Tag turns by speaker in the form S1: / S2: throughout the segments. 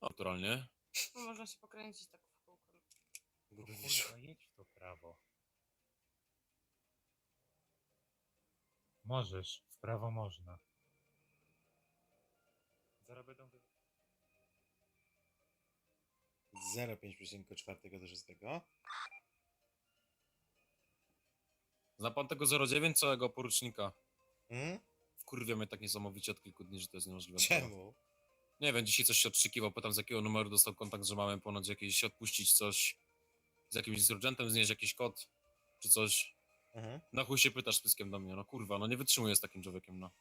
S1: Naturalnie.
S2: No, można się pokręcić tak w kółko.
S3: Gdyby
S4: Kurwa,
S3: wyszło.
S4: jedź w to prawo. Możesz, w prawo można. Zaraz będą
S3: 0,5,4 do 6.
S1: Zna pan tego 09 całego porucznika?
S3: Hmm?
S1: Wkurwia mnie tak niesamowicie od kilku dni, że to jest niemożliwe. sprawa.
S3: Czemu?
S1: Nie wiem, dzisiaj coś się odkrzykiwał, pytam z jakiego numeru dostał kontakt, że mamy ponoć jakieś odpuścić coś z jakimś insurgentem, znieść jakiś kod, czy coś.
S3: Mhm.
S1: Na chuj się pytasz pyskiem do mnie, no kurwa, no nie wytrzymuję z takim człowiekiem, no.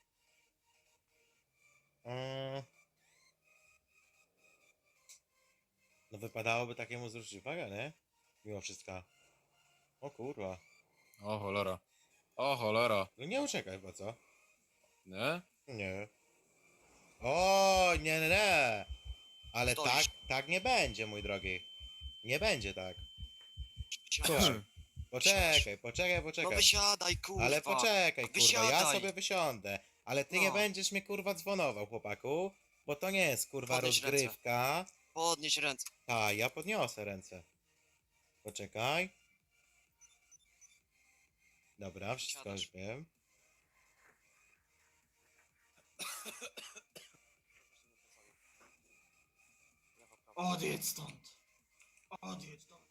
S3: No wypadałoby takiemu zwrócić uwagę, nie? Mimo wszystko. O kurwa.
S1: O cholera. O cholera.
S3: No nie uciekaj, bo co?
S1: Nie?
S3: Nie. O, nie, nie, nie. Ale
S5: Stoisz.
S3: tak nie będzie, mój drogi. Nie będzie tak.
S5: Wysiadasz.
S3: Słuchaj. Poczekaj.
S5: No wysiadaj, kurwa.
S3: Ale poczekaj, kurwa, ja
S5: Wysiadaj.
S3: sobie wysiądę. Ale ty nie
S5: No.
S3: będziesz mnie, kurwa, dzwonował, chłopaku. Bo to nie jest, kurwa,
S5: Podnieś
S3: rozgrywka.
S5: Podnieś ręce.
S3: A, ja podniosę ręce. Poczekaj. Dobra, wszystko
S5: Siadasz.
S3: już wiem.
S6: Odjedź stąd. Odjedź stąd.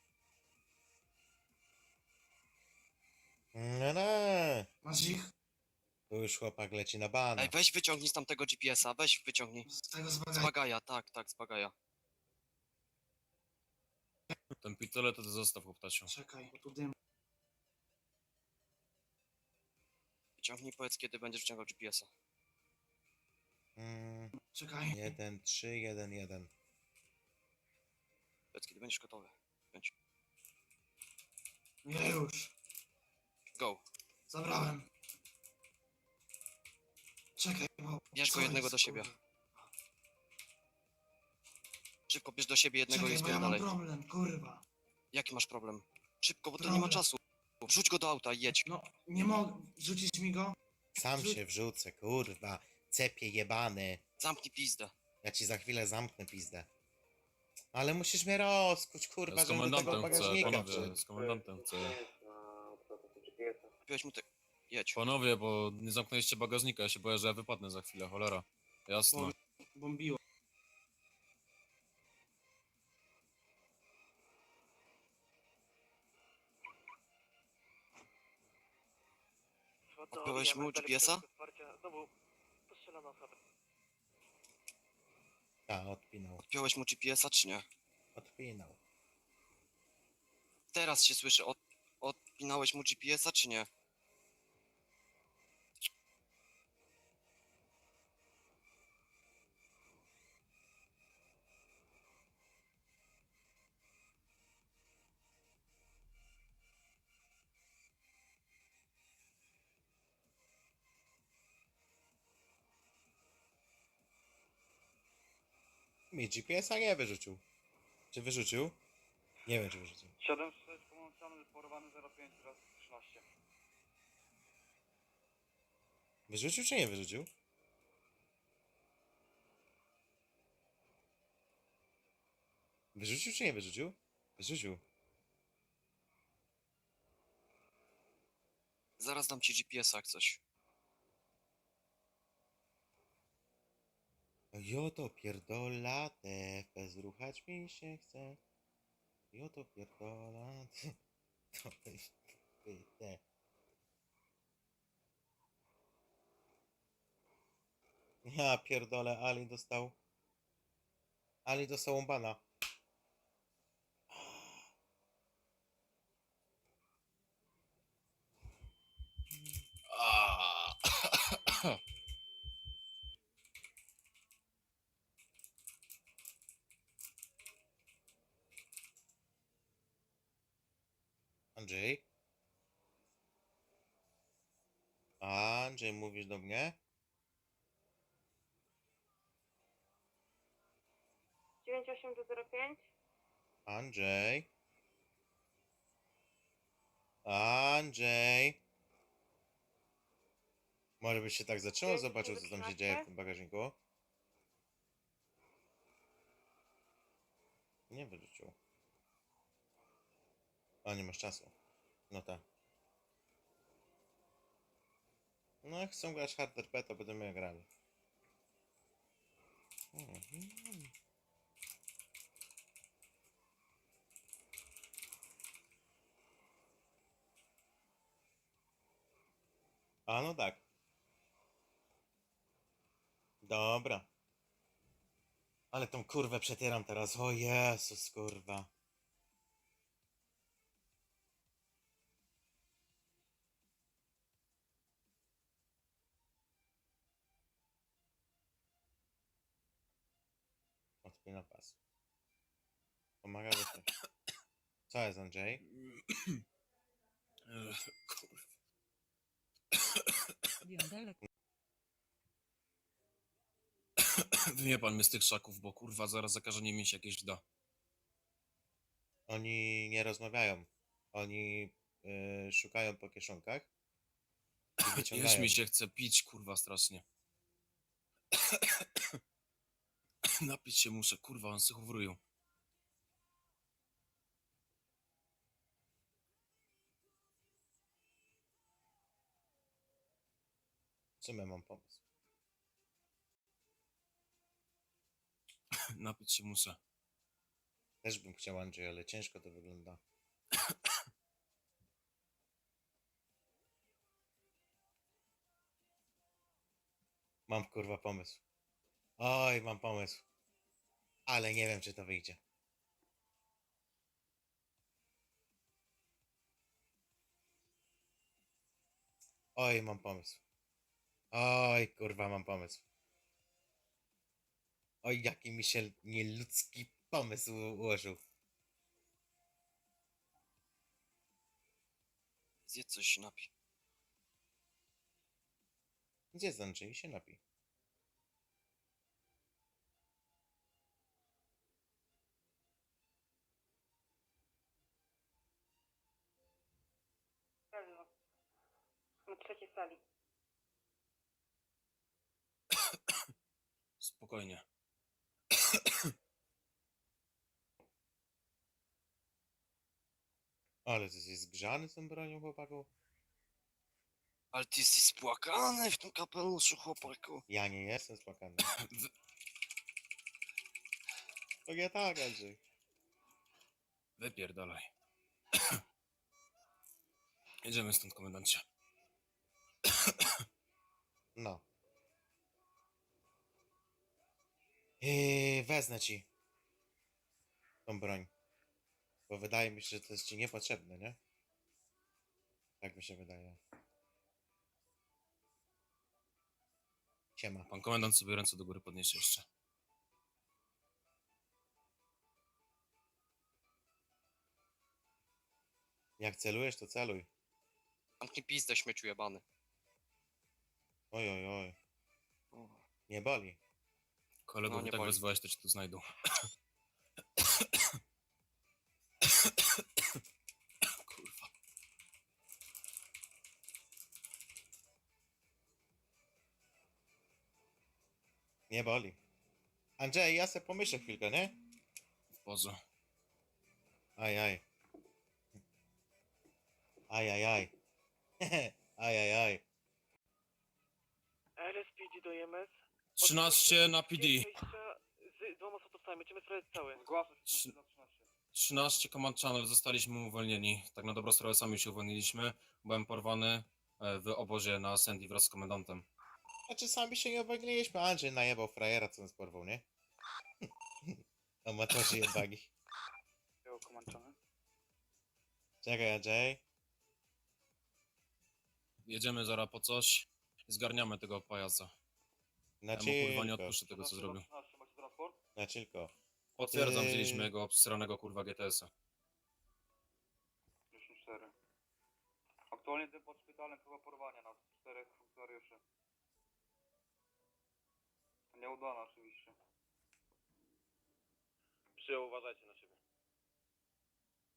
S3: Nie.
S6: Masz ich?
S3: Tu już chłopak leci na bana.
S5: Ej, weź wyciągnij z tamtego GPS-a, weź wyciągnij.
S6: Z tego
S5: Z
S6: zbagaj.
S5: bagaja, tak, z bagaja.
S1: Ten pistolet to ty zostaw, chłoptasiu.
S6: Czekaj, bo tu dym.
S5: Wyciągnij, powiedz kiedy będziesz wyciągał GPS-a.
S6: Czekaj.
S3: 1, 3, 1, 1.
S5: Powiedz kiedy będziesz gotowy. Bądź.
S6: Nie już.
S5: Go.
S6: Zabrałem. Czekaj, bo...
S5: Bierz go
S6: co
S5: jednego
S6: jest,
S5: do siebie.
S6: kurwa?
S5: Szybko bierz do siebie jednego i
S6: Czekaj, bo ja mam
S5: dalej.
S6: problem, kurwa.
S5: Jaki masz problem? Szybko, bo to nie
S6: Problem.
S5: ma czasu. Wrzuć go do auta i jedź.
S6: No, nie mogę. Rzucisz mi go?
S3: Sam się wrzucę, kurwa. Cepie jebany.
S5: Zamknij pizdę.
S3: Ja ci za chwilę zamknę pizdę. Ale musisz mnie rozkuć, kurwa,
S1: Ja z
S3: żebym do tego
S1: komendantem chcę,
S3: bagażnika
S1: panowie,
S3: wszedł.
S1: z komendantem chcę.
S5: Kupiłeś mu te... Jedź.
S1: Panowie, bo nie zamknęliście bagażnika, ja się boję, że ja wypadnę za chwilę, cholera. Jasno.
S6: Bombiło.
S5: Odpiąłeś mu GPS-a?
S3: Tak, odpinał.
S5: Odpiąłeś mu GPS-a czy nie?
S3: Odpinał.
S5: Teraz się słyszy. Odpinałeś mu GPS-a czy nie?
S3: Mi GPS-a nie wyrzucił. Czy wyrzucił? Nie wiem, czy wyrzucił.
S7: 7-6 połączony, porwany 05 raz 13.
S3: Wyrzucił, czy nie wyrzucił? Wyrzucił, czy nie wyrzucił? Wyrzucił.
S5: Zaraz dam ci GPS-a jak coś.
S3: Joto pierdola, te bezruchać mi się chce. Joto pierdola, to te. Ja pierdolę, Ali dostał umbana. Andrzej? Andrzej, mówisz do mnie?
S2: 98 do 05?
S3: Andrzej? Andrzej? Może byś się tak zatrzymał, zobaczył co tam się dzieje w tym bagażniku? Nie wyrzucił. A, nie masz czasu. No tak. No jak chcą grać hard RP, to będziemy je grali. Mhm. A no tak. Dobra. Ale tą kurwę przetieram teraz. O Jezus, kurwa. Odpina pas. Pomaga wyjść. Co jest, Andrzej?
S1: Kurwa.
S8: Biondelek.
S1: Wyjmie pan mnie z tych szaków, bo kurwa zaraz zakażenie mi się jakieś da.
S3: Oni nie rozmawiają. Oni szukają po kieszonkach i
S1: Już
S3: wyciągają.
S1: mi się chce pić, kurwa, strasznie. Napić się muszę, kurwa, on se chowrują.
S3: W sumie mam pomysł.
S1: Napić się muszę.
S3: Też bym chciał, Andrzej, ale ciężko to wygląda. Mam kurwa pomysł. Oj, mam pomysł. Ale nie wiem, czy to wyjdzie. Oj, mam pomysł. Oj, kurwa, mam pomysł. Oj, jaki mi się nieludzki pomysł ułożył.
S5: Zjedz coś i napij.
S3: Gdzie jest Andrzej? Się napij.
S2: Pewno. Na trzeciej sali.
S1: Spokojnie.
S3: Ale ty jesteś zgrzany z tą bronią, chłopaku?
S5: Ale ty jesteś spłakany w tym kapeluszu, chłopaku.
S3: Ja nie jestem spłakany. To nie tak, Andrzej.
S1: Wypierdalaj. Jedziemy stąd, komendancie.
S3: No. Wezmę ci tą broń. Bo wydaje mi się, że to jest ci niepotrzebne, nie? Tak mi się wydaje. Siema.
S1: Pan komendant sobie ręce do góry podniesie jeszcze.
S3: Jak celujesz, to celuj.
S5: Zamknij pizdę, śmieciu jebany.
S3: Oj, oj, oj.
S5: O.
S3: Nie boli.
S1: Kolegów
S5: No, nie
S1: tak
S5: boli.
S1: wezwałeś, to cię tu znajdą. Kurwa.
S3: Nie boli. Andrzej, ja se pomyślę chwilkę, nie?
S1: W porze.
S3: Aj, aj. Aj, aj, aj. Aj, aj, aj.
S7: RSPD do EMS.
S1: 13 na PD.
S7: Z dwoma sotowcami, będziemy sprawdzać cały. Zgłaszam się na 13.
S1: 13 Command Channel, zostaliśmy uwolnieni. Tak na dobrą sprawę sami się uwolniliśmy. Byłem porwany w obozie na Sandy wraz z komendantem.
S3: Znaczy sami się nie uwolniliśmy. Andrzej najebał frajera, co nas porwał, nie? Amatorzy jebani.
S7: Było komanczone.
S3: Czekaj, Andrzej.
S1: Jedziemy zaraz po coś i zgarniamy tego pajaca.
S3: Na
S1: Ja mu kurwa nie
S3: chillko.
S1: odpuszczę tego, co zrobił.
S7: 13, macie transport?
S3: Na chillko.
S1: Potwierdzam,
S3: Ty-
S1: wzięliśmy jego obsranego kurwa GTS-a.
S7: 54. Aktualnie jestem pod szpitalem, próba porwania nas. 4 funkcjonariuszy. Nieudana oczywiście.
S9: Przyjął, uważajcie na siebie.